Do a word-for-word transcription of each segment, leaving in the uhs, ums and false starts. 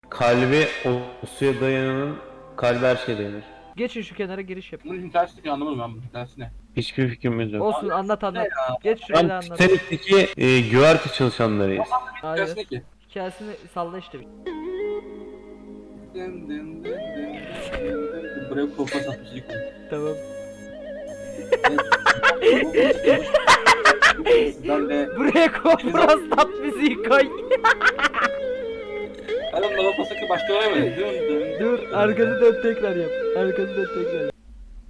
Kalbi o suya dayananın kalbi her şeye dayanır. Geçin şu kenara giriş yap. Bunun hikayesi ki anlamadım ben bunun hikayesi ne? Hiçbir fikrimiz yok. Olsun anlat anlat. Geç Ben şuraya da anlat. Titanic'teki e, güverte çalışanlarıyız. Hayır. Hikayesi ne ki? Hikayesini salla işte. Dın dın dın dın dın. Buraya kolpa satmış ilk oyun. Tamam. Sizlerle Buraya Koprostat müziği koy. Adam da pasaki başka olay mı? Dın dın. Dur arkanı dön tekrar yap. Arkanı dön tekrar yap.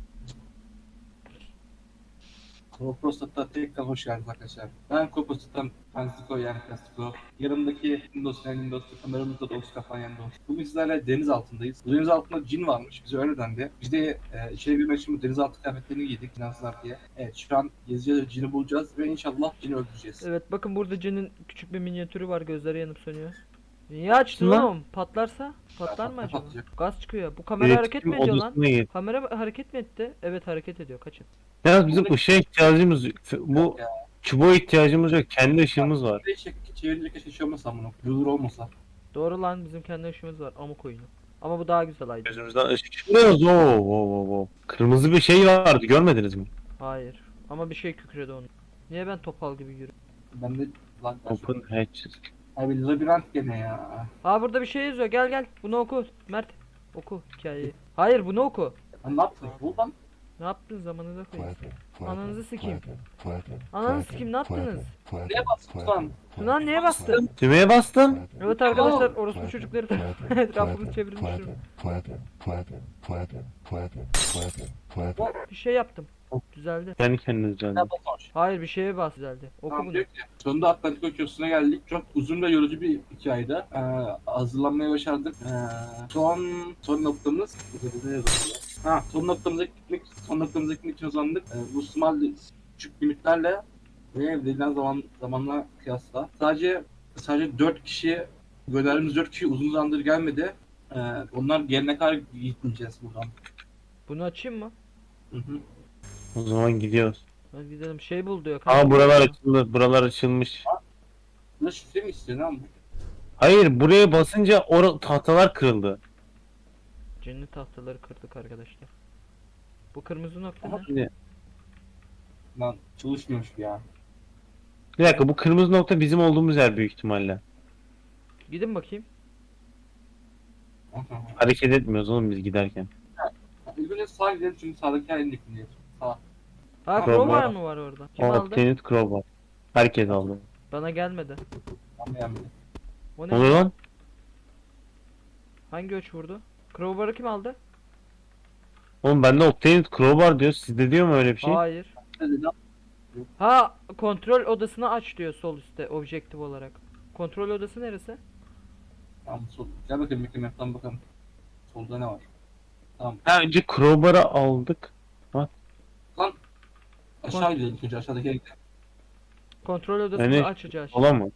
Koprostat'a tekrar hoş geldiniz arkadaşlar. Ben Koprostat'tan Fanstiko yani Fanstiko. Yanımdaki Windows yani Windows, kameramızda da Oscar falan yanında olsun. Bugün sizlerle deniz altındayız. Bu deniz altında cin varmış, bize öyle dendi. Biz de e, içeri girmek için bu denizaltı kıyafetlerini giydik finanslar diye. Evet şu an gezeceğiz, cini bulacağız ve inşallah cini öldüreceğiz. Evet bakın burada Cin'in küçük bir minyatürü var, gözleri yanıp sönüyor. Niye açtın Lan. oğlum? Patlarsa? Patlar mı acaba? Patlayacak. Gaz çıkıyor. Bu kamera hareket mi ediyor lan? odasına gir. Kamera hareket mi etti? Evet hareket ediyor. Kaçın. Ya bizim ışığa ihtiyacımız yok. Bu Ya. çubuğa ihtiyacımız yok. Kendi ışığımız var. Bir şey çevirince keşke şey olmasa bunu. Yıldır olmasa. Doğru lan bizim kendi ışığımız var. Amuk oyunu. Ama bu daha güzel aydı. Gözümüzden ışık çıkıyor. Oo, oo, oo, oo. Kırmızı bir şey vardı, görmediniz mi? Hayır. Ama bir şey kükredi onu. Niye ben topal gibi yürüyorum? Ben de lan Open hatches. abi labirent gene ya. Aa burada bir şey yazıyor. Gel gel. Bunu oku. Mert. Oku hikayeyi. Hayır bunu oku. Lan ne yaptın? Bu lan. Ne yaptın zamanında koyayım. Ananızı sikeyim. Ananızı sikeyim ne yaptınız? Neye bastın lan? Lan neye bastın? Düğmeye bastım. Evet arkadaşlar orospu çocukları etrafımız çevirmiş durumda. Bir şey yaptım. Düzeldi. Kendi kendine düzeldi. Ne basmış? Hayır bir şeye bas düzeldi. Oku Tamam bunu. diyor ki, sonunda Atlantik Okyanusu'na geldik. Çok uzun ve yorucu bir hikayeydi. Ee, hazırlanmaya başardık. Ee, son son noktamız ne yazıyor? Ha, son noktamıza gitmek, son noktamıza gitmek için uzandık. Ee, bu small küçük limitlerle ve verilen zaman zamanla kıyasla sadece sadece dört kişi gönderdiğimiz dört kişi uzun zamandır gelmedi. Ee, onlar gelene kadar gitmeyeceğiz buradan. Bunu açayım mı? Hı hı. O zaman gidiyoruz. Hadi gidelim. Şey bul diyor. Aa buralar açıldı. Buralar açılmış. Burada şifre mi istiyorsun ama? Hayır, buraya basınca o tahtalar kırıldı. Cennet tahtaları kırdık arkadaşlar. Bu kırmızı nokta Aha. ne? Şimdi, Lan çalışmıyormuş bu ya. bir dakika, bu kırmızı nokta bizim olduğumuz yer büyük ihtimalle. Gidin bakayım. Aha. Hareket etmiyoruz oğlum biz giderken. İlk önce sağa gidelim çünkü sağdaki halini dinleyelim. Sağ. Ha Crowbar. crowbar mı var orada? Kim O aldı? Tenant Crowbar. Herkes aldı. Bana gelmedi. Anlayan biri. O Ne oluyor ne? lan? Hangi öç vurdu? Crowbar'ı kim aldı? Oğlum bende Octane Crowbar diyor. Sizde diyor mu öyle bir şey? Hayır. Hadi lan. Ha kontrol odasını aç diyor sol üstte objektif olarak. Kontrol odası neresi? Tamam sol. Gel bakayım bakayım yaptan bakalım. Solda ne var? Tamam. Ha, önce Crowbar'ı aldık. Lan. Aşağı gidelim önce aşağıdaki yere gidelim. Kontrol odasını Yani- açacağız. Ola mı?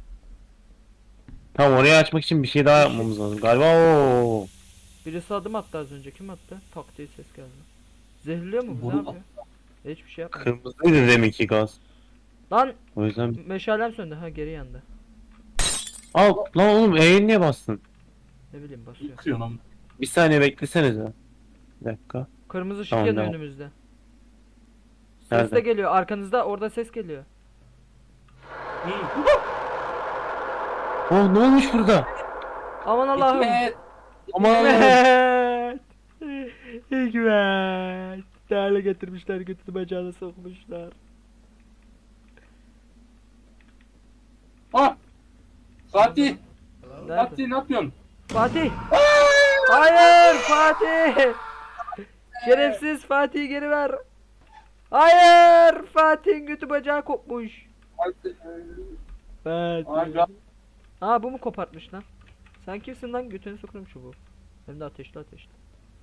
Tamam, orayı açmak için bir şey daha yapmamız lazım. Galiba o. Birisi adım attı az önce. Kim attı? Tak diye ses geldi. Zehirliyor mu bu? Ne Boru yapıyor? Hiçbir şey yapmıyor. Kırmızıydı deminki gaz. Lan O yüzden meşalem söndü. Ha geri yandı. al lan oğlum, E'ye niye bastın? Ne bileyim basıyor. Yıkıyorsun ama. Bir saniye beklesenize. Bir dakika. Kırmızı ışık Tamam, yanıyor devam. önümüzde. Ses Nerede? de geliyor. Arkanızda orada ses geliyor. Oh, ne olmuş burada? Aman Allah'ım. Hikmet. Aman Allah'ım. Hikmet. Hikmet. Değerli getirmişler, götünü bacağına sokmuşlar. Ha. Fatih. Nerede? Fatih ne yapıyorsun? Fatih. Hayır Fatih. Şerefsiz Fatih'i geri ver. Hayır Fatih'in götü bacağı kopmuş. Fatih. Fatih. Aga. Aa bu mu kopartmış lan? Sen kimsin lan, götünü sokurum çubuğu. Hem de ateşli ateşli.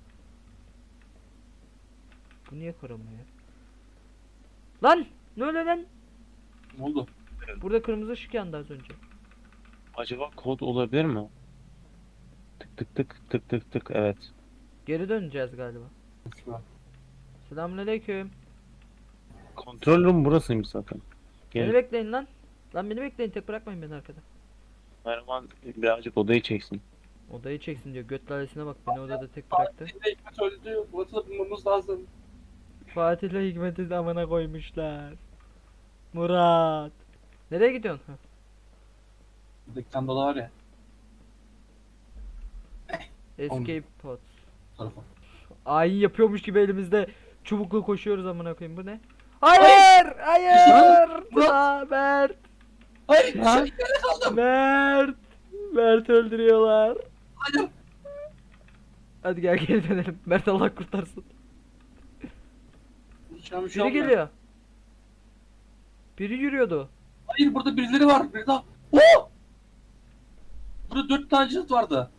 Bu niye kırılmıyor? Lan! Ne oluyor lan? Ne oldu? Burada kırmızı ışık yandı az önce. Acaba kod olabilir mi? Tık tık tık tık tık tık, evet. Geri döneceğiz galiba. Selamünaleyküm. Kontrol room burasıymış zaten. Beni Gel. bekleyin lan. Lan beni bekleyin, tek bırakmayın beni arkada. Mervan birazcık odayı çeksin. Odayı çeksin diyor. Göt lalesine bak, beni odada tek bıraktı. Fatih'le Hikmet öldü. Murat'ı da bulmamız lazım. Fatih'le Hikmet'i de amına koymuşlar. Murat. Nereye gidiyorsun? Heh. Buradaki tane dolar var ya. Escape pod. Bu tarafa. Ayin yapıyormuş gibi elimizde çubukla koşuyoruz amına koyayım. Bu ne? Hayır! Hayır! Murat! Aa, Mert! Hayır! Lan! Şey, nerede kaldım? Mert! Mert öldürüyorlar. Hayır! Hadi gel geri dönelim. Mert Allah kurtarsın. Şu an bir şey Biri olmuyor. geliyor. Biri yürüyordu. Hayır, burada birileri var. Biri daha. Oo! Burada dört tane cilt vardı.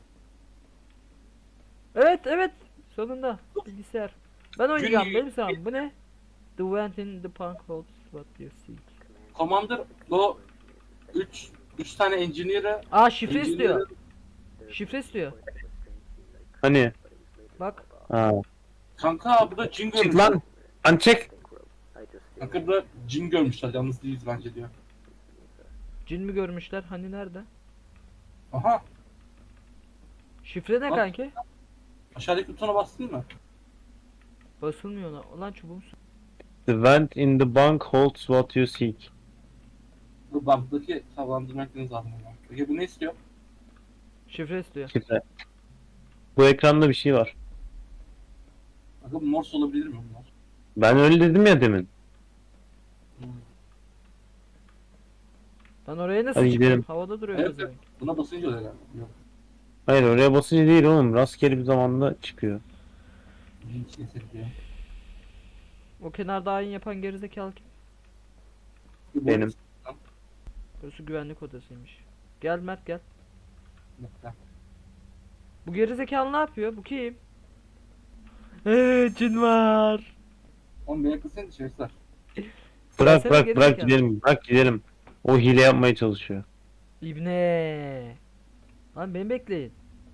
Evet evet. Sonunda. Bilgisayar. Ben oynayacağım. Gün- Benim sıram. Bu ne? The vent in the punk holds what you seek. Commander o üç üç tane engineer'ı Aa şifre engineer'ı- istiyor. Şifre istiyor. Hani? Bak. Ha. Kanka burada cin Çık görmüşler. lan. Lan çek. Kanka burada cin görmüşler. Yalnız değiliz bence diyor. Cin mi görmüşler? Hani nerede? Aha. Şifre ne Bak. kanki? Aşağıdaki butona bastın mı? Basılmıyor lan. Ulan çubuğum. The vent in the bunk holds what you seek. Bu bankdaki havalandırmak lazım. ama. Peki bu ne istiyor? Şifre istiyor. Şifre. Bu ekranda bir şey var. Bakın Morse olabilir mi bunlar? Ben öyle dedim ya demin. Hmm. Ben oraya nasıl Hadi çıkayım? gidelim. Havada duruyor Evet, pezevenk. Buna basınca oluyor galiba. Yok. Hayır oraya basınca değil oğlum. Rastgele bir zamanda çıkıyor. Cin içine sekiyor. O kenarda ayin yapan gerizekalı kim? Bu Benim. Burası güvenlik odasıymış. Gel Mert gel. Nokta. Bu gerizekalı ne yapıyor? Bu kim? Eee cin var. Oğlum beni kılsın dışarısı. Bırak Gelsene bırak geri bırak zekalı. gidelim. Bırak gidelim. O hile yapmaya çalışıyor. İbne. Lan beni bekleyin.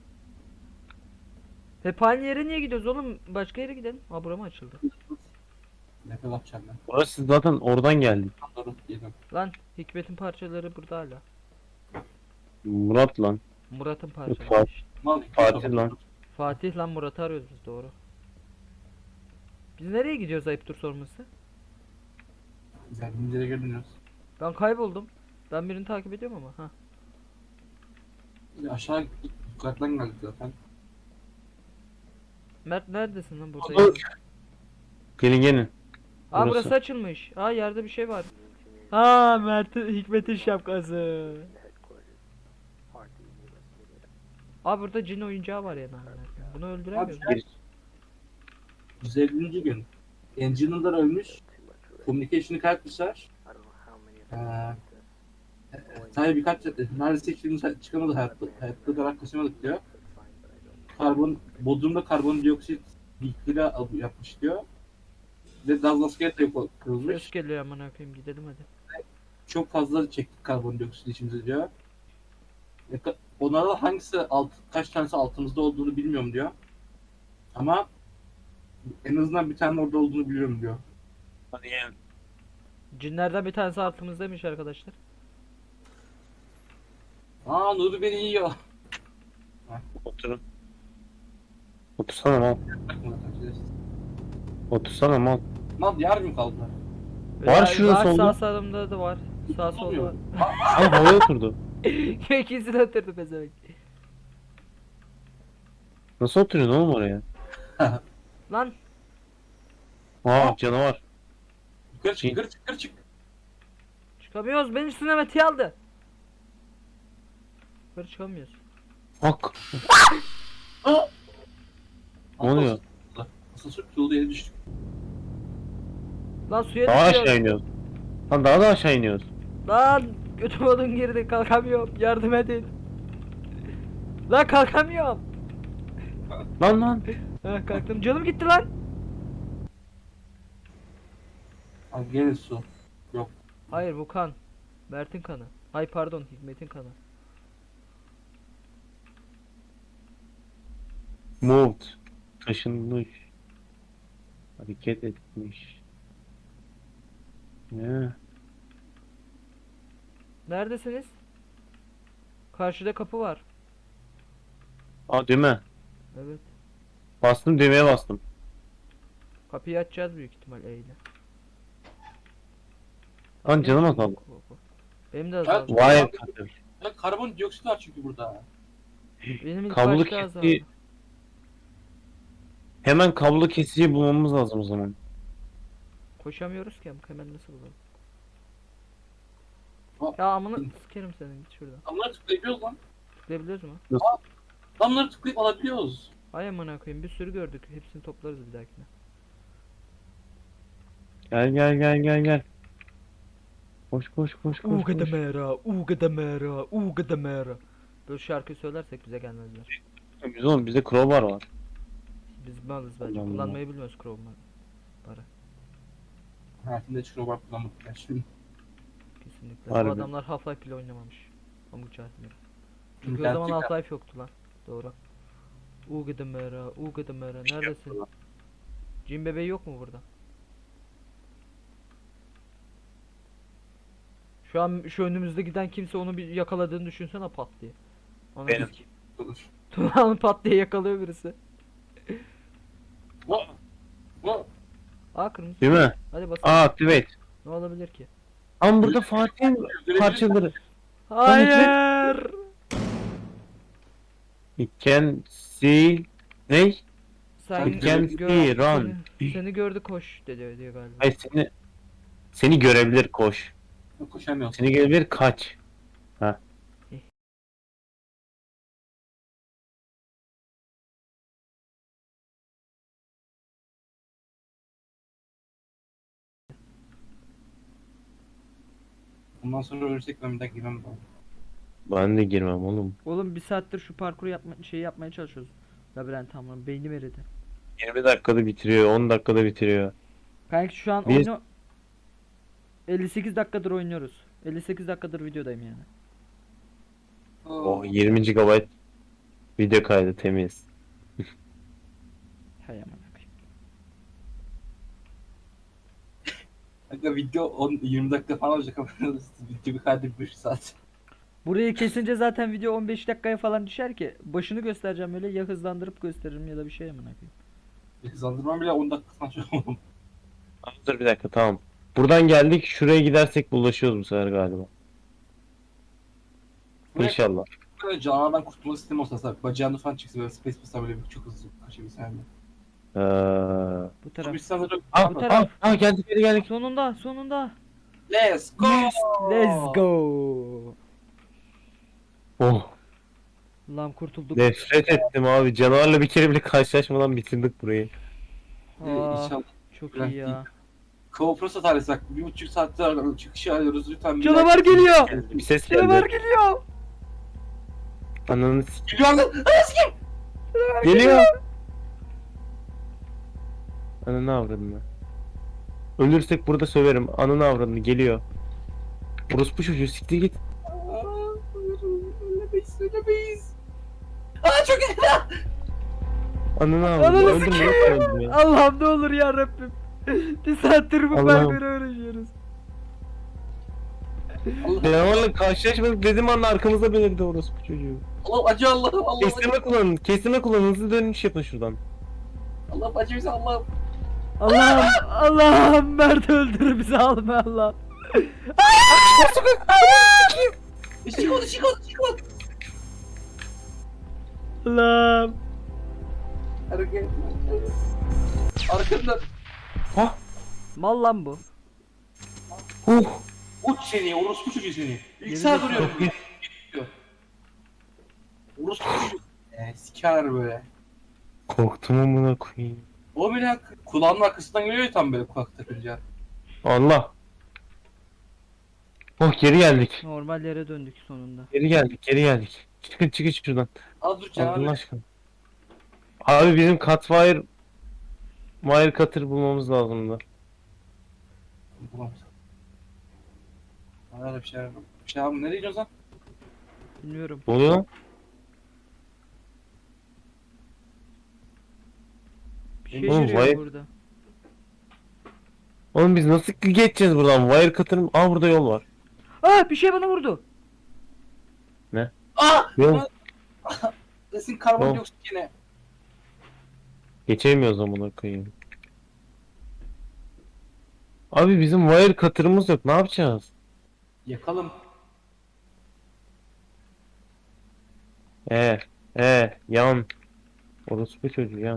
Hep aynı yere niye gidiyoruz oğlum? Başka yere gidelim. Aa bura mı açıldı? Nefes atacağım ben. Orası zaten oradan geldi. Tam doğru yedim. Lan Hikmet'in parçaları burada hala. Murat lan. Murat'ın parçaları Fatih. işte. Mal Fatih lan. Fatih lan Murat'ı arıyoruz biz doğru. Biz nereye gidiyoruz ayıptır sorması? Geldiğimiz yere geri dönüyoruz. Ben kayboldum. Ben birini takip ediyorum ama ha. Biz aşağı gittik. Yukarıdan geldik zaten. Mert neredesin lan burada? Dur. Gelin gelin. Aa burası. Burası. açılmış. Aa yerde bir şey var. Ha Mert'in Hikmet'in şapkası. Aa burada cin oyuncağı var ya. Bunu öldüremiyoruz. Abi, yüz ellinci gün. Engineer'lar ölmüş. Communication'ı kaybetmişler. Ee, sadece birkaç neredeyse hiçbirimiz çıkamadı hayatta. Hayatta olarak kaçamadık diyor. Karbon, Bodrum'da karbondioksit bilgiyle yapmış diyor. Ve gaz maskeye de yok kırılmış. Ses geliyor amına koyayım gidelim hadi. Çok fazla çektik karbondioksit içimize diyor. Ne ka- Onlardan hangisi alt, kaç tanesi altımızda olduğunu bilmiyorum diyor. Ama en azından bir tane orada olduğunu biliyorum diyor. Hadi gelin. Cinlerden bir tanesi altımızdaymış arkadaşlar. Aa Nuri beni yiyor. Oturun. Otursana mal. Bakma zaten. Otursana mal. Lan yer mi kaldı? Var şurada Sağ solda. sağımda da var. Sağ solda var. Olmuyor. Al havaya oturdu. İkisini oturdu pezevenk. Nasıl oturuyorsun oğlum oraya? Lan Aa canavar. Yukarı çık, yukarı çık, yukarı çık. çıkamıyoruz. Beni üstüne Mete aldı. Yukarı çıkamıyoruz. Bak. Aa! Ne oluyor? Asansör tutuldu yere düştük. Lan suya Daha düşüyoruz. aşağı iniyoruz. Lan daha da aşağı iniyoruz. Lan götüm odun girdi kalkamıyorum. Yardım edin. Lan kalkamıyorum. Lan lan. Ha kalktım. Canım gitti lan. Abi gene su. Yok. Hayır bu kan. Mert'in kanı. Hay pardon Hikmet'in kanı. Moved. Taşınmış. Hareket etmiş. Ne? Neredesiniz? Karşıda kapı var. Aa düğme. Evet. Bastım, düğmeye bastım. Kapıyı açacağız büyük ihtimal E ile. Lan canım Açayım. azaldı. Benim de Ha, azaldı. Vay katır. Ya karbondioksit var çünkü burada. Benim ilk Kablolu başta azaldı. kesici. Hemen kablo kesiciyi bulmamız lazım o zaman. Koşamıyoruz ki hemen nasıl bulalım? Ha. Ya amına sikerim senin git şuradan. Damları tıklayabiliyoruz lan. Tıklayabiliyoruz mu? Damları tıklayıp alabiliyoruz. Ay amına koyayım bir sürü gördük. Hepsini toplarız bir dahakine. Gel gel gel gel gel. Koş koş koş koş. Uga da koş. mera, uga da mera, uga da mera. Böyle şarkı söylersek bize gelmezler. Biz oğlum bizde crowbar var. Biz malız bence. Allah Allah. Kullanmayı bilmiyoruz Chrome'u. Para. Hayatımda hiç crowbar kullanmadım ben şimdi. Kesinlikle. Harbi. Bu adamlar Half-Life bile oynamamış. Pamuk çarpmıyor. Çünkü o İnternet zaman yok. Half-Life yoktu lan. Doğru. Uga da mera, uga da mera. Neredesin? Cin bebeği yok mu burada? Şu an şu önümüzde giden kimse onu bir yakaladığını düşünsene pat diye. Anladın Benim. mı? Olur. Tuğan'ı pat diye yakalıyor birisi. Bu. Bu. Aa kırmızı. Değil mi? Hadi basalım. Aa activate. Ne olabilir ki? Ama burada Fatih'in parçaları. Hayır. You can see. Ne? Sen You can gör- see run. Seni, seni gördü koş dedi diyor galiba. Hayır seni seni görebilir koş. Koşamıyorsun. Seni görebilir kaç. Ha. Bundan sonra ölürsek ben bir daha girmem ben. Ben de girmem oğlum. Oğlum bir saattir şu parkuru yapma şeyi yapmaya çalışıyoruz. Labirent tamam beynim eridi. yirmi dakikada bitiriyor, on dakikada bitiriyor. Kanka şu an Biz- oyunu elli sekiz dakikadır oynuyoruz. elli sekiz dakikadır videodayım yani. Oh yirmi gigabayt video kaydı temiz. Hay aman akıyım. Kanka video on yirmi dakika falan olacak ama video bir kaydı bir saat. Burayı kesince zaten video on beş dakikaya falan düşer ki başını göstereceğim öyle ya hızlandırıp gösteririm ya da bir şey aman akıyım. Hızlandırmam bile on dakika falan çok oldu. Tamam, dur bir dakika tamam. Buradan geldik şuraya gidersek bulaşıyoruz bu sefer galiba. İnşallah. Böyle canavardan kurtulma sistemi olsa mesela bacağını falan çıksa böyle space basar böyle bir çok hızlı kaçabilsen de. Ee... Bu taraf. Biz sana da Aa, Bu aa, taraf. aa, geldik geri geldik. Sonunda sonunda. Let's go! Let's go. Oh Lan kurtulduk. nefret ettim abi. Canavarla bir kere bile karşılaşmadan bitirdik burayı. Aa, İnşallah. çok iyi ya. GoPro tarihi bak bir buçuk saattir çıkışı arıyoruz lütfen. bir Canavar dakika. geliyor. Bir ses Canavar geldi. geliyor. Ananı s- Geliyor lan! geliyor. Ananı avradını. Ölürsek burada söverim. Ananı avradını geliyor. Orospu çocuğu siktir git. Aa, Ölemeyiz, ölemeyiz. Aa çok iyi. Ananı avradını. Ananı Öldüm sikeyim. ya. Öldüm ya. Allah'ım ne olur ya Rabbim. Bir saattir bu Allah'ım. parkuru öğreniyoruz. Allah, Canavarla karşılaşmadık dedim anda arkamızda belirdi orospu çocuğu. Allah acı Allah'ım Allah'ım acı. Kestirme kullanın. Kestirme kullanın. Hızlı dönüş yapın şuradan. Allah'ım acı bize Allah'ım. Allah'ım Allah'ım Mert öldür bizi alma Allah'ım. Çıkmadı çıkmadı çıkmadı. Allah'ım. Hareket. Arkamda. Hah. Mal lan bu. Huh. Uç seni orospu çocuğu seni. İlk Yemin saat ederim. duruyorum. Orospu çocuğu. Eee siker böyle. Korktum amına koyayım. O bile kulağının arkasından geliyor ya tam böyle kulak takınca. Allah. Oh geri geldik. Normal yere döndük sonunda. Geri geldik. Geri geldik. Çıkın çıkın şuradan. Az dur Allah canım. aşkına. Abi bizim Catfire Wire Cutter bulmamız lazımdı. Bulamadım. Öyle bir şey yok. Bir şey abi nereye gidiyorsun lan? Bilmiyorum. Ne oluyor lan? Bir şey Oğlum, yürüyor vay- burada. Oğlum biz nasıl geçeceğiz buradan? Wire Cutter'ın... Aa burada yol var. Aa bir şey bana vurdu. Aa! Yol. Desin Yok. karbondioksit yine. Geçemiyoruz amına koyayım. Abi bizim wire cutter'ımız yok. Ne yapacağız? Yakalım. E, e, yan. Orospu çocuğu yan.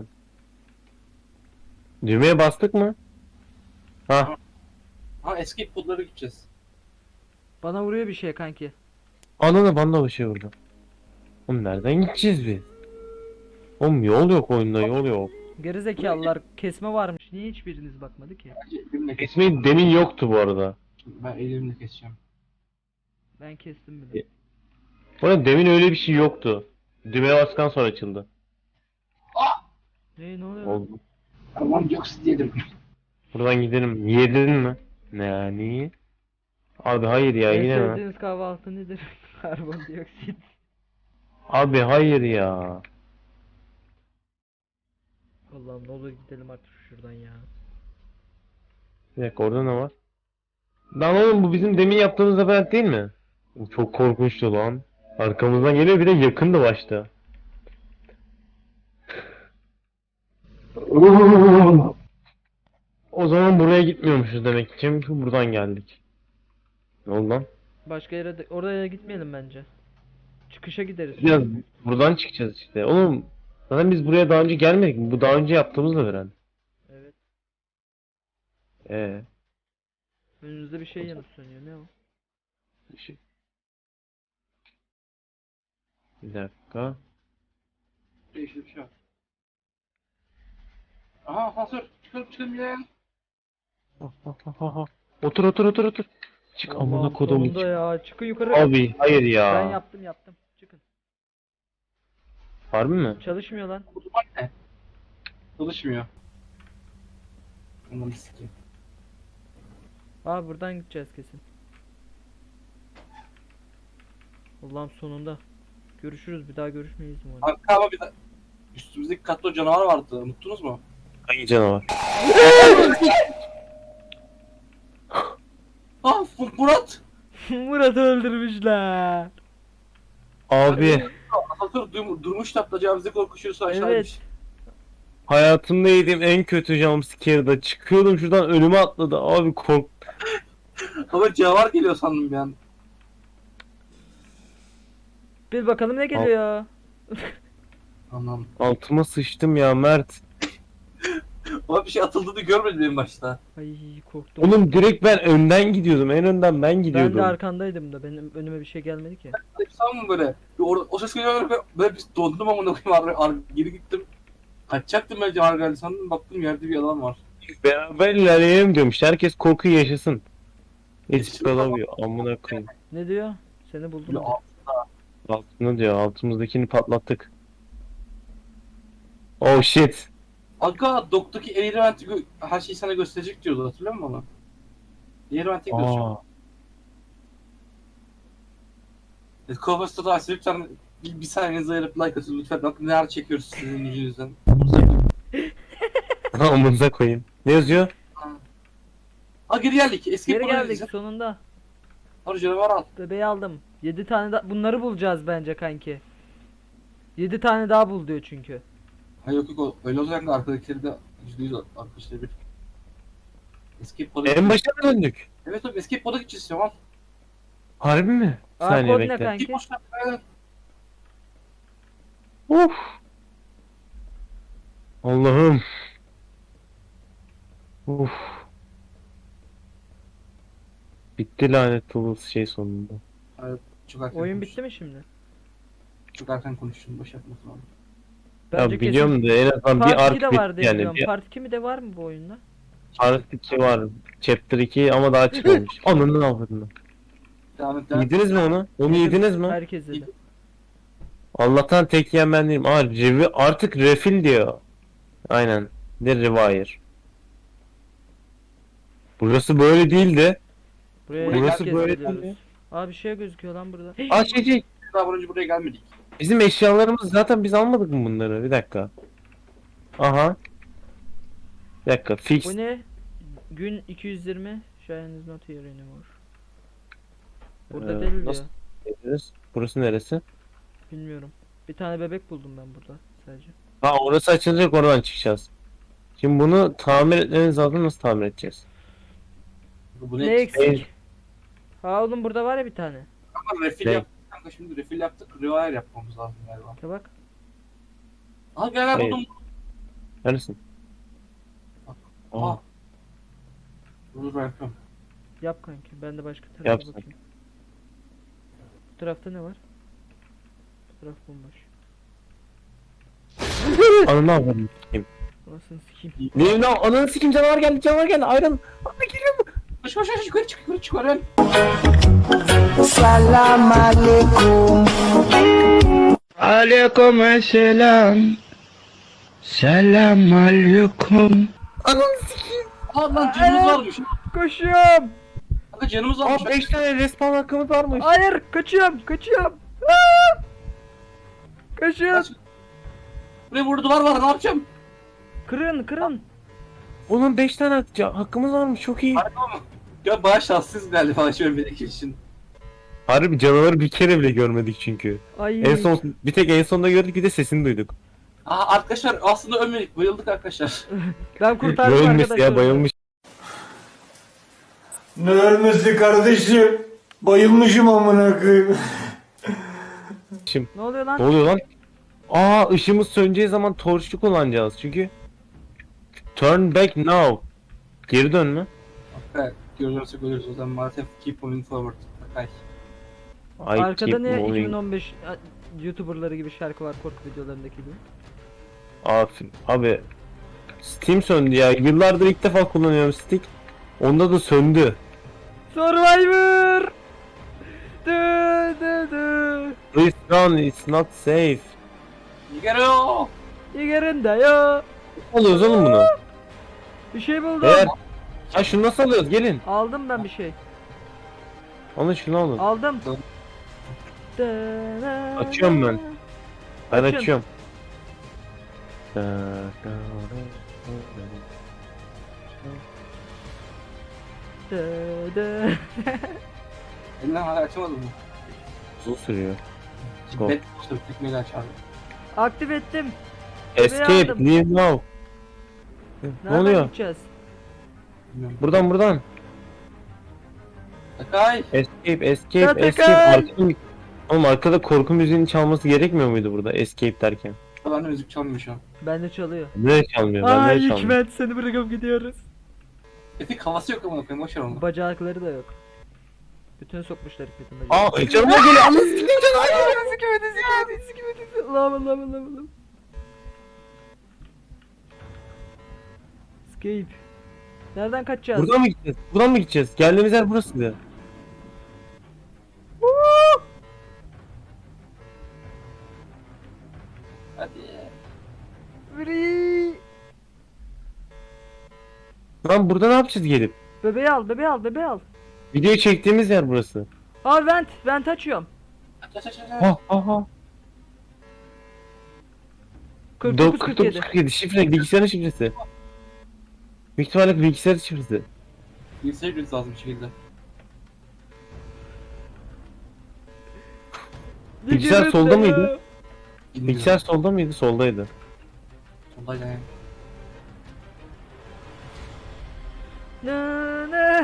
Düğmeye bastık mı? Ha, Ha escape podlara gideceğiz. Bana vuruyor bir şey kanki. ananı bana bir şey vurdu. Oğlum nereden gideceğiz biz? Oğlum yol yok oyunda, yol yok. Gerizekalılar kesme varmış. Niye hiçbiriniz bakmadı ki? Bence elimle kes. İsmi demin yoktu bu arada. Ben elimle keseceğim. Ben kestim bile. Bu arada demin öyle bir şey yoktu. Düğmeye bastıktan sonra açıldı. Ne ne oluyor? Oldu. Karbondioksit yedim. Buradan gidelim. Yedin mi? Ne yani? Abi hayır ya En yine mi? sevdiğiniz kahvaltı nedir? Karbondioksit. Abi hayır ya. Allah'ım ne olur gidelim artık şuradan ya. Bir dakika orada ne var? Lan oğlum bu bizim demin yaptığımız labirent değil mi? Bu çok korkunçtu lan. Arkamızdan geliyor bir de yakındı başta. O zaman buraya gitmiyormuşuz demek ki. Çünkü buradan geldik. Ne oldu lan? Başka yere de oraya gitmeyelim bence. Çıkışa gideriz. Biraz buradan çıkacağız işte. Oğlum zaten biz buraya daha önce gelmedik mi? Bu daha önce yaptığımız labirent. Evet. Ee, Önünüzde bir şey yanıp sönüyor. Ne o? bir şey. Bir dakika. Değişti bir şey var. Aha asansör. Çıkalım çıkalım ya. Ha, ha, ha, ha, ha. Otur otur otur otur. Çık amına Allah'ım kodumu. sonunda ya. Çıkın yukarı. Abi hayır ya. Ben yaptım yaptım. Çıkın. Harbi mi? Çalışmıyor lan. Bu duman ne? Çalışmıyor. Ananı sikeyim. Aa buradan gideceğiz kesin. Allah'ım sonunda. Görüşürüz bir daha görüşmeyiz umarım. Arka ama bir de üstümüzdeki katta o canavar vardı. Unuttunuz mu? Hangi canavar? Ah Fu- Murat! Murat'ı öldürmüşler. Abi Asansör dur durmuş tatlacağımızı korkuşuyorsa aşağı Evet. inmiş. hayatımda yediğim en kötü jumpscare'da çıkıyordum şuradan önüme atladı abi kork. Ama canavar geliyor sandım bir an. Bir bakalım ne geliyor. Anam. Altıma sıçtım ya Mert. Ama bir şey atıldığını görmedim en başta. Ay korktum. Oğlum direkt ben önden gidiyordum en önden ben Ben gidiyordum. de arkandaydım da benim önüme bir şey gelmedi ki. Sanmam böyle. Bir or- o ses geliyor böyle, böyle bir dondum ama koyayım ar- ar- geri gittim. Kaçacaktım ben canavar geldi sandım baktım yerde bir adam var. Beraber ilerleyelim diyorum işte herkes korkuyu yaşasın. Hiç Yaşasın kalamıyor amına koyayım. Ne diyor? Seni buldum. Böyle diyor. Altına diyor altımızdakini patlattık. Oh shit. Aga doktaki Airvent'i gö- her şeyi sana gösterecek diyordu hatırlıyor musun onu? Airvent'i göstereceğim. Aa. Kovas'ta da açsa lütfen bir, bir saniyenizi ayırıp like atın lütfen. Bakın neler çekiyoruz sizin yüzünüzden. Amınıza koyayım. Ne yazıyor? Ha geri geldik. Eski Geri geldik sonunda. Hadi canavar al. Bebeği aldım. yedi tane daha bunları bulacağız bence kanki. yedi tane daha bul diyor çünkü. Ha yok yok o- öyle olacak da arkadakileri de yüzde yüz arkadaşları bir. Escape pod'a En gideceğiz. başa mı döndük? Evet abi escape pod'a gideceğiz Cemal. Harbi mi? Bir Aa, saniye kod ne bekle. kanki? Escape boşver. Evet. Of. Allah'ım. Uf. Bitti lanet olası şey sonunda. Çok erken Oyun konuştun. bitti mi şimdi? Çok erken konuştun. Boş yapma falan. Ya biliyorum da en azından Part bir ark iki de bitti var diye yani. biliyorum. Bir Part iki mi de var mı bu oyunda? part iki var. Chapter iki ama daha çıkmamış. Ananı avradını. Devam et devam et. Yediniz mi onu? Onu yediniz mi? Herkes dedi. Allah'tan tek yiyen ben değilim. Aa revi artık refill diyor. Aynen. De rewire. Burası böyle değildi. Buraya Burası herkes böyle geliyoruz. değil mi? Aa bir şey gözüküyor lan burada. Aa şey şey. Daha önce buraya gelmedik. Bizim eşyalarımız zaten biz almadık mı bunları? Bir dakika. Aha. Bir dakika fix. Bu ne? Gün iki yüz yirmi. Shine is not here anymore. Burada Ee, değil nasıl- diyor. Burası neresi? Bilmiyorum. Bir tane bebek buldum ben burada sadece. Ha orası açılacak, oradan çıkacağız. Şimdi bunu tamir etmemiz lazım, nasıl tamir edeceğiz? Bu Ne ne? eksik? Ha oğlum burada var ya bir tane. Ama refil Ne? yaptık kanka, şimdi refil yaptık. Rewire yapmamız lazım galiba. Ya bak. Aha gel gel Hayır. buldum. Neredesin? Aa, Aa. Dur ben yapıyorum. Yap kanki. Ben de başka tarafa Yap sen. bakayım. Bu tarafta ne var? Bu taraf bomboş. ananı avradım. Sikeyim. Anasını sikeyim. Ne lan, ananı sikeyim, canavar geldi, canavar geldi, ayran. Ana geliyor mu? Koş koş koş yukarı çık yukarı çık yukarı. Salam alaikum. Alaikum selam. Selam alaikum. Ananı sikeyim. Aa lan canımız varmış. Koşuyorum. Kanka canımız varmış. Aa beş tane respawn hakkımız varmış. Hayır, kaçıyorum, kaçıyorum. Aa! Kaçıyorum. Kaç. Buraya burada duvar var, ne yapacağım? Kırın, kırın. Oğlum beş tane hak- hakkımız varmış, çok iyi. Harika mı? Ya bayağı şanssız galiba şu ölmedeki için. Harbi canavarı bir kere bile görmedik çünkü. Ay. En son bir tek en sonda gördük, bir de sesini duyduk. Aa arkadaşlar aslında ölmedik, bayıldık arkadaşlar. Ben kurtardım Ölmüş arkadaşlar. ya, bayılmış. Ne ölmesi kardeşim? Bayılmışım amına koyayım. Ne oluyor Ne lan? oluyor lan? Aa ışığımız söneceği zaman torçlu kullanacağız çünkü. Turn back now. Geri dönme. Evet, görürsek ölürüz o zaman maalesef keep moving forward. Bakay. I Arkada keep ne moving. iki bin on beş a- YouTuber'ları gibi şarkı var korku videolarındaki gibi. Aferin. Abi Steam söndü ya. Yıllardır ilk defa kullanıyorum Stick. Onda da söndü. Survivor! Dö dö dö. Please run, it's not safe. Geliyor. Yerinde ya. Alıyoruz oğlum bunu. Bir şey buldum. Eğer... Ha şunu nasıl alıyoruz? Gelin. Aldım ben bir şey. Alın şunu alın. Aldım. Tamam. Dö- Açıyorum ben. Ben Açın. açıyorum. Dö dö. Elinden hala açamadım mı? Uzun sürüyor. Go. Bet boşta bitmeli açardım. Aktif ettim. Escape, aldım. leave now. Ne Nereden oluyor? gideceğiz? Bilmiyorum. Buradan buradan. Bakay. Escape, escape, Zaten escape. kay. Arkada... Oğlum arkada korku müziğinin çalması gerekmiyor muydu burada escape derken? Ben de müzik çalmıyor şu an. Bende çalıyor. Ne çalmıyor? Ben Ay ne çalmıyor? Hikmet seni bırakıp gidiyoruz. Etik havası yok ama koyayım, boşver onu. Bacakları da yok. Bütün sokmuşlar Hikmet'in bacaklarını. Aa canıma geliyor. Anasını sikeyim canım. Sikimedi sikimedi sikimedi. Allah'ım Allah'ım Allah'ım Allah'ım. Escape. Nereden kaçacağız? Buradan mı gideceğiz? Buradan mı gideceğiz? Geldiğimiz yer burasıydı. Woo! Hadi. Free. Lan burada ne yapacağız gelip? Bebeği al bebeği al bebeği al. Video çektiğimiz yer burası. Aa vent vent açıyorum. Aç aç aç aç. Ha ha ha. kırk dokuz kırk kırk dokuz yedi. kırk yedi şifre, bilgisayarın şifresi. Büyük ihtimalle bilgisayarın şifresi. Bilgisayar ücreti lazım bir şekilde. Bilgisayar solda mıydı? Bilmiyorum. Bilgisayar solda mıydı? Soldaydı. Soldaydı yani. Ne ne.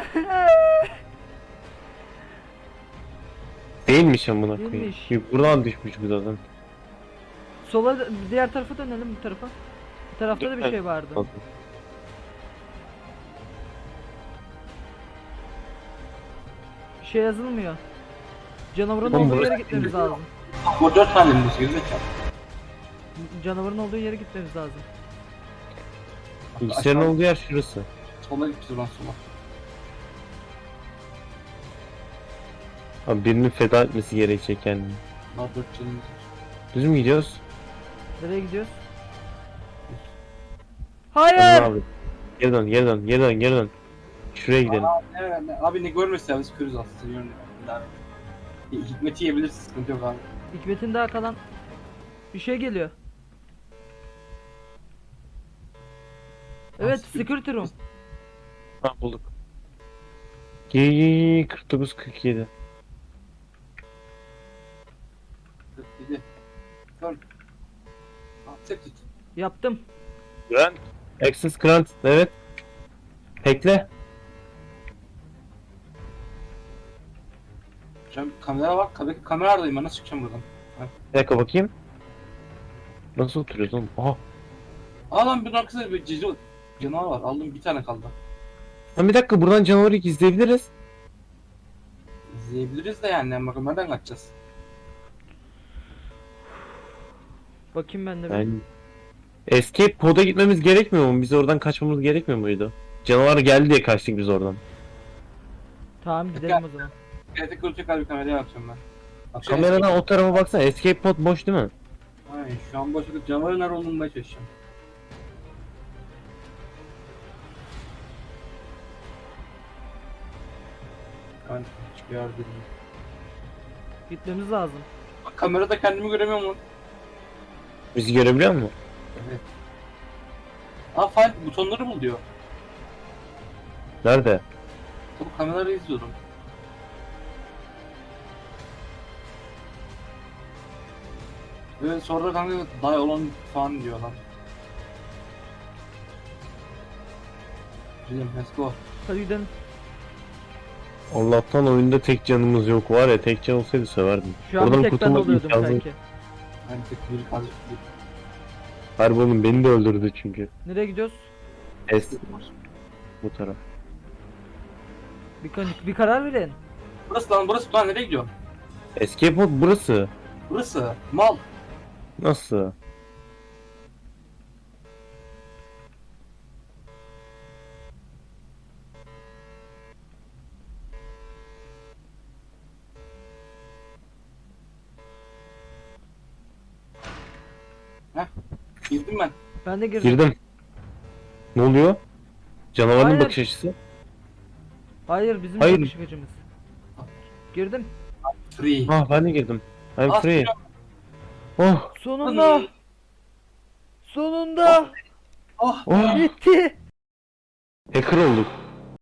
Değilmiş amına koyayım. Değilmiş. Yok, buradan düşmüş bu zaten. Sola diğer tarafa dönelim bu tarafa. Bu tarafta da bir şey vardı. Bir şey yazılmıyor. Canavarın Oğlum, olduğu burası yere gitmemiz lazım. Bu dört tane mi? Gerizekalı. Canavarın olduğu yere gitmemiz lazım. Bilgisayarın Aşağı- olduğu yer şurası. Sola gideceğiz oradan sola. Abi birinin feda etmesi gerekecek kendini. Daha dört canımız var. Düz mü gidiyoruz? Nereye gidiyoruz? Tamam Hayır! abi. Geri dön, geri dön, geri dön, geri dön. Şuraya gidelim. Evet, abi ne görmesi ya, biz körüz aslında. Seviyorum ya. Hikmeti yiyebilirsin, sıkıntı yok abi. Hikmet'in daha kalan bir şey geliyor. Evet, Nasıl? security room. Ha bulduk. Giy kırk dokuz kırk yedi. kırk yedi. Dön. Accepted. Yaptım. Grant. Access Grant. Evet. Hackle. Şu an kamera bak. Kamera, kameradayım ben. Nasıl çıkacağım buradan? Bir dakika bakayım. Nasıl oturuyoruz oğlum? Aha. Aa lan bir arkasında bir cici canavar var. Aldım bir tane kaldı. Lan bir dakika buradan canavarı izleyebiliriz. İzleyebiliriz de yani. Bakın nereden kaçacağız? Bakayım ben de. bir. Yani Escape pod'a gitmemiz gerekmiyor mu? Biz oradan kaçmamız gerekmiyor muydu? Canavar geldi diye kaçtık biz oradan. Tamam gidelim o zaman. Gerçek kuracak bir kameraya bakıyorum ben. Bak şu Kameradan o tarafa baksana. Escape pod boş değil mi? eski- Ay, şu an boş vakit canavarın nerede olduğunu bulmaya çalışacağım. Ben hiçbir yerde değilim. Gitmemiz lazım. Bak kamerada kendimi göremiyorum lan. Bizi görebiliyor musun? Evet. Aa file butonları bul diyor. Nerede? Tabii kameraları izliyorum. Ve sonra kanka die olan falan diyor lan. Gidelim let's go. Hadi gidelim. Allah'tan oyunda tek canımız yok var ya, tek can olsaydı söverdim. Şu an Oradan bir tek ben kurtulmak oluyordum imkansız. sanki. Yani tek bir kaldı. Harbi oğlum beni de öldürdü çünkü. Nereye gidiyoruz? Es bu taraf. Bir, kan- bir karar verin. Burası lan burası lan nereye gidiyor? Escape pod burası. Burası mal. Nasıl? Girdim ben. Ben de girdim. Girdim. Ne oluyor? Canavarın Hayır. bakış açısı. Hayır bizim Hayır. bakış açımız. Girdim. Free. Ah ben de girdim. I'm Ah, free. Oh, Sonunda. Sonunda. Oh. oh. Bitti. Hacker olduk.